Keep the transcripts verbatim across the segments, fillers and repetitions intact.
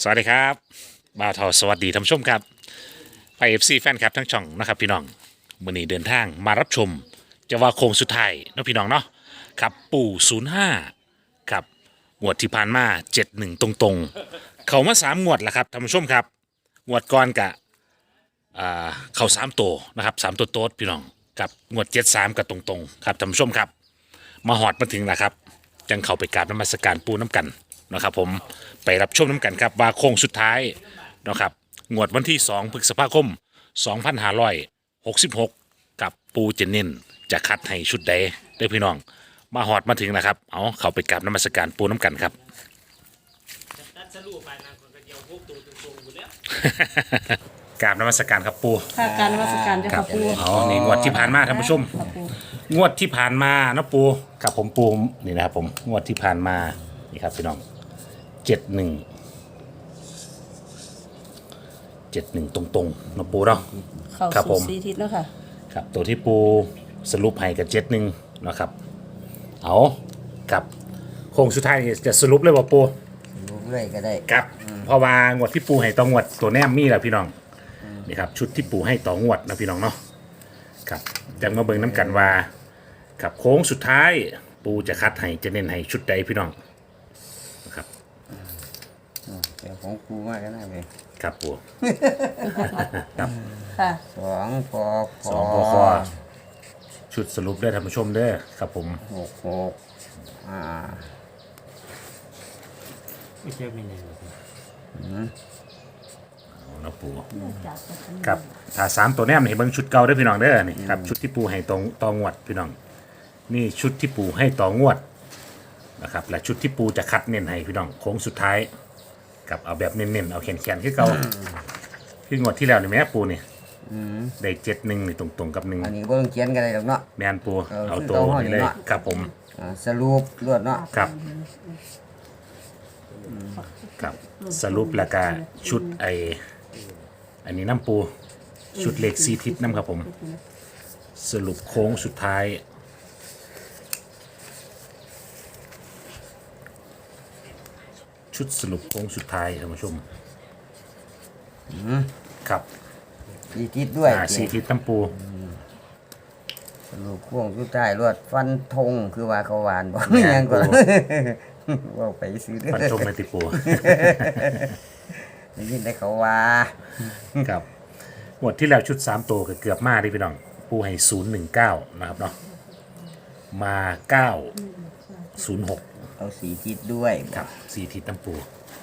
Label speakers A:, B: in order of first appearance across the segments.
A: สวัสดีครับบ่าวทอสวัสดีท่านผู้ชมครับไฟเอฟซีแฟนคลับทั้งช่องนะครับพี่น้องวันนี้เดินทางมารับชมจะว่าโค้งสุดท้ายเนาะพี่น้องเนาะครับปู่ศูนย์ห้าครับงวดที่ผ่านมาเจ็ดหนึ่งตรงๆ เขามาสามงวดแล้วครับท่านผู้ชมครับงวดก่อนกะอ่าเขาสามตัวนะครับสามตัวโต๊ดพี่น้องกับงวดเจ็ดสามกับตรงๆครับท่านผู้ชมครับมาหอดมาถึงแล้วครับจังเข้าไปกราบนมัสการปูน้ำกันนะครับผมไปรับชมน้ำกันครับว่าโค้งสุดท้ายนะครับงวดวันที่สองพฤษภาคมสองพันห้าร้อยหกสิบหกกับปูเจนเน้นจะคัดให้ชุดใดเด้อพี่น้องมาหอดมาถึงแล้วครับเอาเข้าไปกราบนมัสการปูน้ำกันครับ
B: ตัดสรุปไปนะคนก็เดียวพวกตัวตรงๆอยู่แล้ว
A: กราบนมัสการครับปู
C: ค่ะการนมัสการเจ้า
A: ครั
C: ค่ะปู
A: เอานี่งวดที่ผ่านมาท่านผู้ชม
C: ค่ะปู
A: งวดที่ผ่านมานะปูกับผมปูนี่นะครับผมงวดที่ผ่านมานี่ครับพี่น้องเจ็ดหนึ่งเจ็ดหนึ่งตรงๆนะปูเนาะ
C: เข้า
A: ครับผ
C: สู่
A: ม
C: สีทิศแล้วค่ะ
A: ครับตัวที่ปูสรุปให้กับเจ็ดหนึ่งนะครับเอากับโค้งสุดท้ายนี่จะสรุปเลยว่าปู
D: รู้เลยก็ได้
A: ครับเพราะว่างวดที่ปูให้ต่องวดตัวแนมมีแหละพี่น้องนี่ครับชุดที่ปูให้ต่องวดนะพี่น้องเนาะครับจังมาเบิ่งน้ำกันว่ากับโค้งสุดท้ายปูจะคัดให้จะเน้นให้ชุดใดพี่น้องนะครับ
D: เดี๋ยวของกูมากก็ได้ไป
A: ครับปูครับ
C: ค่ะ
D: สองพอพ
A: ส
D: อ
A: องพอคอชุดสรุปเด้อท่านผู้ชมเด้อครับผม
D: หกหกอ่า
B: ไม่ใช่ไม่แน่หรอก
A: เอานะปูครับถ้าสามตัวแนมนี่ให้เบิ่งชุดเก่าเด้อพี่น้องเด้อนี่ครับชุดที่ปูให้ตรงตองวดพี่น้องนี่ชุดที่ปูให้ต่องวดนะครับและชุดที่ปูจะคัดเน้นให้พี่น้องโค้งสุดท้ายกับเอาแบบเน้นๆเอาแขนๆคือเก่าคืองวดที่แล้วนี่แม่ปูนี่ได้เจ็ดหนึ่งนี่ตรงๆกับหนึ่ง
D: อันนี้ก็ต้องเขียนกันเลยหรอกเนาะ
A: แมนปู
D: เออ
A: เอา
D: คือ
A: ตัว
D: เก่าห้อย
A: นี้เลย
D: เนาะ
A: ครับผม
D: อ่าสรุปรวดเนาะ
A: ครับครับสรุปแล้วก็ชุดไออันนี้น้ำปูชุดเหล็กซีทิศน้ำครับผมสรุปโค้งสุดท้าย ชุดสรุปโค้งสุดท้ายท่านผู้ชมครับ
D: สีทิศด้วย
A: อ่าซีทิศน้ำปู
D: สรุปพ่วงสุดท้ายรวดฟันธงคือว่าเขาหวานบอก
A: แม่น
D: ยังก็
A: ปู
D: ว่าไปซื้อเด้อ
A: ฟันชมในติปู
D: ได้ยินได้เขาว่า
A: ครับหมดที่แล้วชุดสามตัวก็เกือบมาดิพี่น้องปูให้ศูนย์หนึ่งเก้านะครับเนาะมาเก้าศูนย์หก
D: เอาสีทิศด้วย
A: ครับซีทิศน้ำปู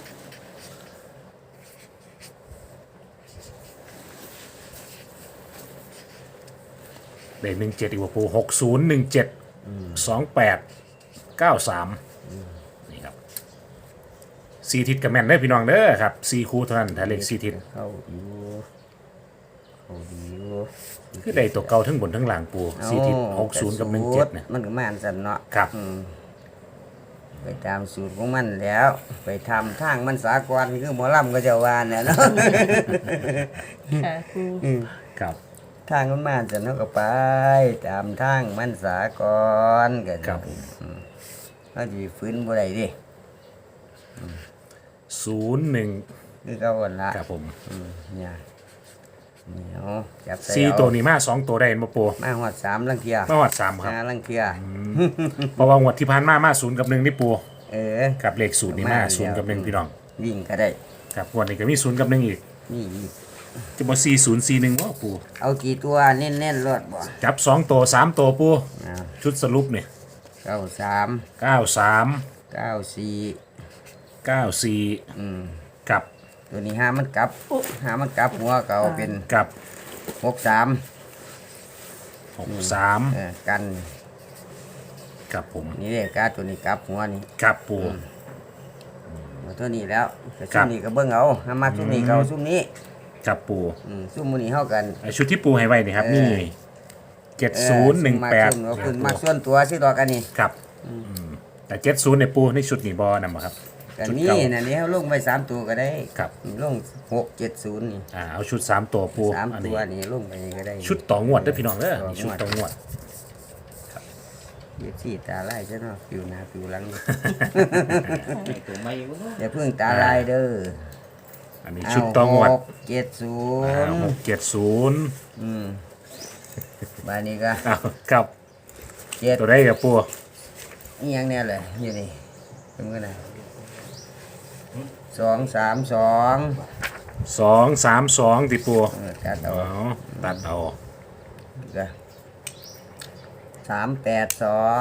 A: เด่นหนึ่งเจ็ดอีกว่าปูหกศูนย์หนึ่งเจ็ดสองแปดเก้าสามนี่ครับซีทิศกับแม่นได้อพี่น้องเด้อครับซีคูเท่านั้นถ้าเลขซีทิศ
D: เข้าอยู่เข้าอยู่
A: คือได้ตัวเก่าทั้งบนทั้งหลังปูซีทิศหกศูนย์กับหนึ่งเจ็ดเนี่ย
D: มันก็มาอันสันเนาะ
A: ครับ
D: อืมไปตามสูตรของมันแล้ว ไปทำทางมันสากลคือหมอลำก็จะวานเนี่ยเนาะ
C: ค่ะปู
A: ครับ
D: ทางมันมาอันสันเนาะก็ไป ตามทางมันสากลก็
A: ครับ
D: อืมเขาจะฟื้นบ่ได้ดิ
A: ศูนย์หนึ่ง
D: คือเขาวันละ
A: ครับผม
D: อืมเนี่ยเหนียวจับใส่
A: ซี
D: เอา
A: ตัวนี้มาสองตัวได้มาปู
D: มาหอดสามลังเทีย
A: มาวัดสามครับ
D: ห้าลังเทีย
A: เพราะว่างวดที่ผ่านมามาศูนย์กับหนึ่งนี่ปู
D: เออ
A: กับเลขศูนย์นี่มา
D: มาแล้ว
A: ศูนย์กับหนึ่งพี่น้อง
D: วิ่งก็ได้
A: ครับงวดนี้ก็มีศูนย์กับหนึ่งอีก
D: นี่อีก
A: จะบอกสี่ศูนย์สี่หนึ่งว่าปู
D: เอากี่ตัวเน้นๆรถบ่
A: จับสองตัวสามตัวปู
D: อ่า
A: ชุดสรุปเนี่ย
D: เก้าสาม
A: เก้าสาม
D: เก้าสี่
A: เก้าสี่
D: อืม
A: กับ
D: ตัวนี้ห้ามันกลับห้ามันกลับหัวเก่าเป็น
A: กับ
D: หกสาม
A: หกสาม
D: เออกัน
A: กับผม
D: นี่เลยการตัวนี้กลับหัวนี่
A: กับปู
D: เอาตัวนี้แล้วแต่
A: ครั
D: ซุ่
A: บ
D: มนี้ก็เบิ่งเอาห้ามาซุ่มนี้เก่าซุ่มนี้
A: กับปู
D: อืมซุ่มมือนี้เท่ากัน
A: ไอชุดที่ปูให้ไว้นี่ครับ
D: เออ
A: นี่เจ็ดศูนย์หนึ่งแปด
D: เออซุ่มมาซุ่มเอาขึ้นมาส่วนตัวสิดอกกันนี่
A: ครับอืมแต่เจ็ดศูนย์ในปูในชุดนี่บอนำมาครับ
D: กัน
A: ชุด
D: นี่
A: เก่า
D: นะนี่เขาลงไปสามตัวก็ได้
A: ครับ
D: ลงหกเจ็ดศูนย์นี่
A: อ่าเอาชุดสามตัวปู
D: สาม
A: อัน
D: ตั
A: นี้
D: วนี่ลงไปก็ได้
A: ชุดต่องวดเด้วยพี่น้องเด้อ
D: ต่องวด
A: นี่ชุดต่องวด
D: เย็บสีตาลายใช่เนาะผิวหน้าผิวหลัง
B: ตัวไม่รู้เนาะ
D: อย่าเพิ่งตาลายเด้อ
A: อันนี้ชุดต่องวด
D: หกเจ็ดศู
A: อ่าน
D: ย์
A: หกเจ็ดศูนย์
D: อืมบานนี้ก็
A: อ้าวครับ
D: เจ็ด
A: ตัวได้กับปู
D: นี่ยังเนี่ยเลยอยู่นี่เป็นกันนะสองสามสอง
A: สองสามสองติปู
D: เออตัดเอา
A: เอาตัดเอา
D: ก็สามแปดสอง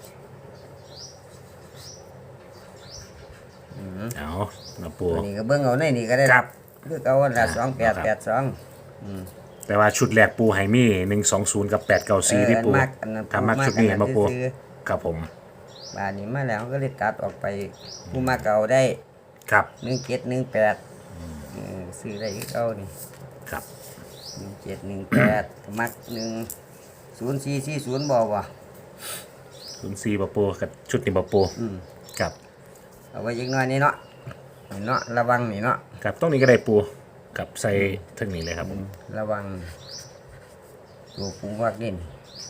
A: เอานะปู
D: อันนี้ก็เบิ้งเอาในนี่ก็ได้
A: ครับ
D: คือเอาวันละสองแปดแปดสอง
A: แต่ว่าชุดแรกปูไฮมี่หนึ่งสองศูนย์กับแปดเก้าสี่ที่ปู
D: มักอันนั้น
A: ทำมักชุดนี้มาปู
D: ซื้อ
A: ครับผม
D: บานนี้มาแล้วก็เลยตัดออกไปผู้มาเก่าได้
A: ครับ
D: หนึ่งเจ็ดหนึ่งแปดซื้อได้อีกเอานี่
A: ครับ
D: หนึ่งเจ็ดหนึ่งแปดมักหนึ่งศูนย์สี่สี่ศูนย์บอกว่า
A: ศูนย์สี่ปะปูกับชุดนี้ปะปู
D: อืม
A: ครับ
D: เอาไว้ยิงน้อยนี่เนาะนี่เนาะระวังนี่เนาะ
A: ครับตรงนี้ก็ได้ปูกับใส่ทั้งนี้เลยครับผม
D: ระวังตัวปูวักดิน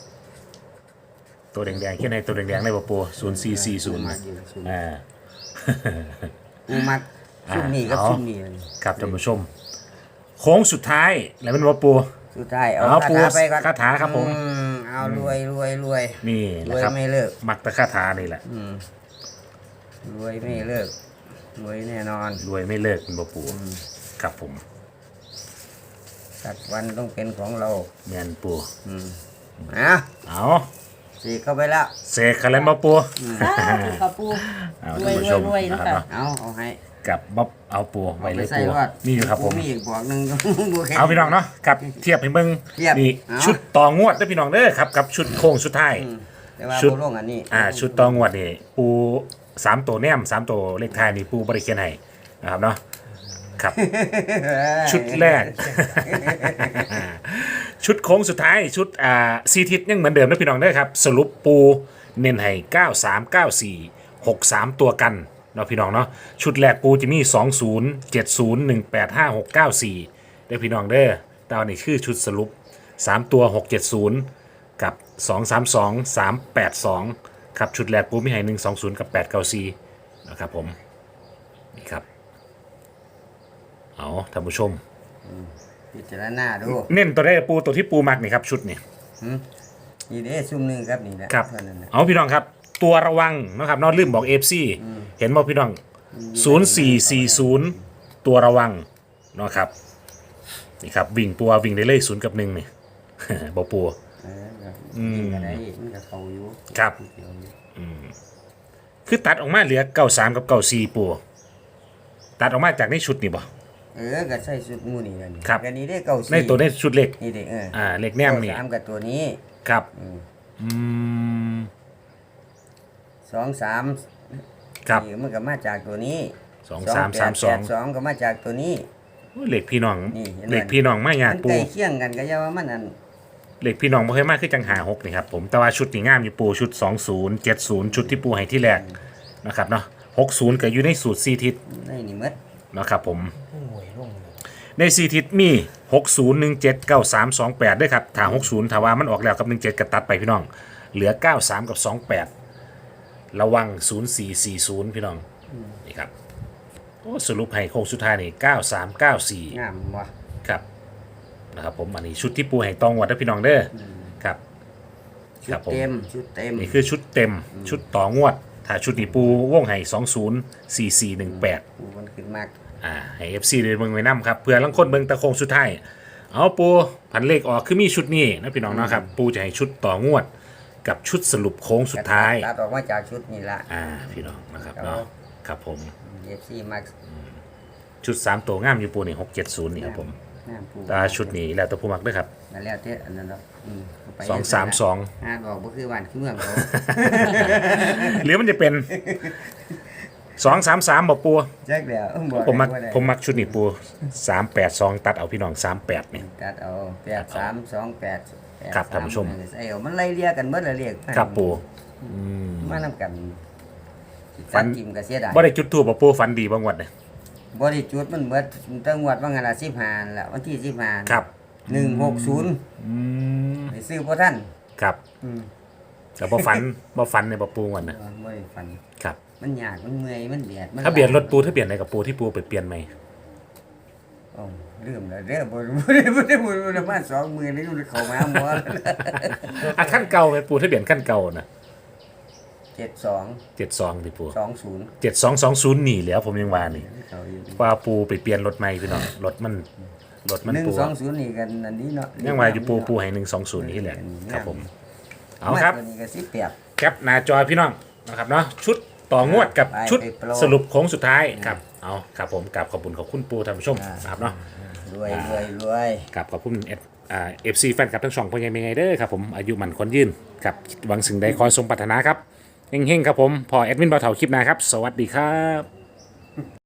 A: ตัวแดงๆแค่ในตัวแดงๆได้ปะปูศูนย์สี่สี่ศูนย์
D: มักอยู่ซุ่ม
A: อ่า
D: ปูมักซุ่มนี่กับ
A: เอา
D: ซุ่มนี่เลย
A: ครับท่านผู้ชม โค้งสุดท้ายแล้วเป็นปะปู
D: สุดท้ายเอา
A: เอา
D: คา
A: ปู
D: ถาไปก่อน
A: คาถาครับผม
D: อืเอารวยรวยรวย
A: นี่
D: ร
A: นะ
D: วย
A: ครับ
D: ไม่เลิก
A: มักตะคาถานี่แหละ
D: อืมรวยไม่เลิกรวยแน่นอน
A: รวยไม่เลิกเป็นปะปูครับผม
D: สักวันต้องเป็นของเรา
A: แมนปู
D: อืมอ่ะ
A: เอา
D: สีเข้าไปแล้ว
A: เสกคันแล้วปะปู
C: สาธุค่ะปู
A: เอา
C: รว
A: ท่าน
C: ย
A: ผู้
C: ร
A: ช
C: วย
A: ม
C: รวย
A: นะ
C: นะครับ คะ
A: เนาะ
D: เอาเอาให้
A: กับบ๊อบเอาปูไว้เลย
D: ใส่
A: ปู
D: รอด
A: นี่อยู่ครับผม
D: มีอีกบอกหนึ่ง บัวแข็ง
A: เอาพี่น้องเนาะกับเทียบให้เบิ่ง
D: เทียบ
A: นี่
D: เอา
A: ชุดต่องวดเด้อพี่น้องเด้อครับกับชุดโค้งสุดท้าย
D: อืมแต่ว่า
A: ชุด
D: บัวลงอันนี้
A: อ่าชุดต่องวดนี่ปูสามตัวแนมสามตัวเลขท้ายนี่ปูบริเคียนให้นะครับเนาะครับ ชุดแรก ชุดโค้งสุดท้ายชุดอ่าซีทิศยังเหมือนเดิมนะพี่น้องเด้อครับสรุปปูเน้นให้เก้าสาม เก้าสี่ หกสามตัวกันเนาะพี่น้องเนาะชุดแรกปูจะมีสองศูนย์ เจ็ดศูนย์ หนึ่งแปด ห้าหก เก้าสี่เด้อพี่น้องเด้อตอนนี้คือชุดสรุปสามตัวหกเจ็ดศูนย์กับสองสามสอง สามแปดสองครับชุดแรกปูมีให้หนึ่งสองศูนย์กับแปดเก้าสี่นะครับผมนี่ครับเอาท่านผู้ชม
D: พิจารณาดู
A: เน้นตัวได้ปูตัวที่ปูมักนี่ครับชุดนี่
D: นี่เด้ซุ่มหนึ่งครับนี่นะครับ เท่านั้นนะ
A: เอาพี่น้องครับ ตัวระวังนะครับนอกลืมบอกเอฟซีเห็นบอกพี่น้องศูนย์สี่สี่ศูนย์ตัวระวังเนาะครับนี่ครับวิ่งปัววิ่งได้เลยศูนย์กับหนึ่งนี่ บอกปู
D: เออครับนี่ก็ได้มันก็เขาอยู่
A: ครับ
D: เดี๋ยวนี้
A: คือตัดออกมาเหลือเก้าสามกับเก้าสี่ปูตัดออกมาจากในชุดนี่บ่
D: เออก็ใส่สุดหมูนี่แล้วนี่
A: ครับ
D: อันนี้ได้เก้าสี่
A: ในตัวในชุดเล็ก
D: นี่เด้เออ
A: อ่าเล็กแนมนี่
D: เก้าสามกับตัวนี้
A: ครับอืม
D: สองสาม
A: ครับ
D: นี่มันก็มาจากตัวนี้
A: สองสามสามสอง
D: แปดสองก็มาจากตัวนี้
A: โอ้ยเหล็กพี่น้อง
D: นี่เห็นไหม
A: เหล็กพี่น้องไม่ยาก
D: มัน
A: ปู
D: ใกล้เคียงกันก็อย่าว่ามันอัน
A: เหล็กพี่น้องบ่เคยมากคือจังหาหกนี่ครับผมแต่ว่าชุดนี่งามอยู่ปูชุดสองศูนย์ เจ็ดศูนย์ชุดที่ปูให้ที่แรกนะครับเนาะหกศูนย์ก็อยู่ในสูตรสี่ทิศ
D: ได้นี่หมด
A: นะครับผม
B: หน่วยลงเลย
A: ในสี่ทิศมีหกศูนย์ หนึ่งเจ็ด เก้าสาม สองแปดด้วยครับถ้าหกศูนย์ถ้าว่ามันออกแล้วกับหนึ่งเจ็ดก็ตัดไปพี่น้อง เหลือเก้าสามกับสองแปดระวังศูนย์สี่สี่ศูนย์พี่น้องนี่ครับโอ้สรุปให้โค้งสุดท้ายนี่เก้าสาม เก้าสี่
D: งามบ่
A: ครับนะครับผมอันนี้ชุดที่ปูให้ตองวัดนะพี่น้องเด้อครับ
D: ชุ
A: ครั
D: ด
A: บผม
D: เต็มชุดเต็ม
A: นี่คือชุดเต็มชุดต่องวด ถ้าชุดนี้ปูวงให้สองศูนย์ สี่สี่หนึ่งแปด
D: ปูมันขึ้นมาก
A: อ่าให้เอฟซีเดินเบิ่งไว้นํครับเพื่อลังคนเบิ่งตะโคงสุดท้ายเอาปูพันเลขออกคือมีชุดนี้นะพี่น้องเนาะครับปูจะให้ชุดต่องวด กับชุดสรุปโค้งสุดท้าย
D: ตัดออกมาจากชุดนี่ละ
A: อ่าพี่น้องนะครับ
D: ครับ
A: เนาะครับผม
D: เอฟซีมัก
A: ชุดสามตัวงามอยู่ปูนี่หกเจ็ดศูนย์นี่ครับผม
D: งามปู
A: แตาชุดนี้แล้วแต่ผู้มักเด้วยครับ
D: นั่นแล้วเท่อันนั้นเนาะอืมเไป
A: สองสามสอง
D: อ่านออกบ่คือบ้านคือเมืองเขา
A: หรือมันจะเป็นสองสามสามบอกปู
D: แจ็คแล้วเอิ่บอก
A: ผมมัก
D: ได้บ่ได้
A: ผมมักชุดนี้ปูสามแปดสองตัดเอาพี่น้องสามแปดนี่
D: ตัดเอาแปดสามสองแปดแปด
A: ครับ
D: ส
A: ท่านผู้ชม
D: ใส่เอามันไล่เรียกกันเบิดละเรียก
A: ครับปู
D: มานำกัน
A: ฝั
D: ฟั
A: น
D: นกิมก็เสียดาย
A: บ่ได้จุดทูบบอกปูฝันดีบางวันเนี่ย
D: บ่ได้จุดมันเบิดตั้งงวดว่างั้นล่ะสิบห้านั่นล่ะวันที่สิบห้า
A: ครับ
D: หนึ่งหกศูนย์
A: อืม
D: ไปซื้อบ่ทัน
A: ครับ
D: อืม
A: แต่บ่ฝัน บ่ฝันในบ่ปูวันนะ
D: บ่ได้ฟัน
A: ครับ
D: มันยากมันเมื่อยมันเบียดมัน
A: ถ้าเปลี่ยนรถปูถ้าเปลี่ยนอะไรกับปูที่ปูไปเปลี่ยนไหม
D: อ๋อลืมแล้วเด้อบ่บ่ได้บ่ได้บ่ได้บ่ได้มาสองมื้อนี้เข้ามาหมอ
A: อ่ะขั้นเก่าไปปูทะเบียนขั้นเก่านะ
D: เจ็ดสอง
A: เจ็ดสองดิปู
D: สองศูนย์
A: เจ็ดสองสองศูนย์หนีแล้วผมยังว่านี่
D: เขาอยู่
A: ว่าปูไปเปลี่ยนรถใหม่พี่น้องรถมันรถมัน
D: หนึ่ง
A: ปู
D: สองศูนย์นี่กันอันนี้เนาะ
A: ยังว่าอยู่ปูปูให้หนึ่งสองศูนย์นี่แหละครับผมเอา
D: เอา
A: ครับ
D: ตัวนี้ก็สิแปด
A: แคปหน้าจอพี่น้องนะครับเนาะชุดต่องวดกับ
D: ไป
A: ชุด
D: ไปโปร
A: สรุปโค้งสุดท้ายครับเอาครับผมกับขอบคุณขอบคุณปูท่านผู้ชม
D: อ่าน
A: นะครับเนาะ
D: รวยรวยรวย
A: กับขอบคุณเอฟอ่าเอฟซีแฟนคลับทั้งสองพ่อใหญ่เป็นไงเด้อครับผมอายุมันคนยืนกับหวังสิ่งใดคอยสมปรารถนาครับเฮงๆครับผมพอแอดมินบ่าวเถาคลิปหน้าครับ สวัสดีครับ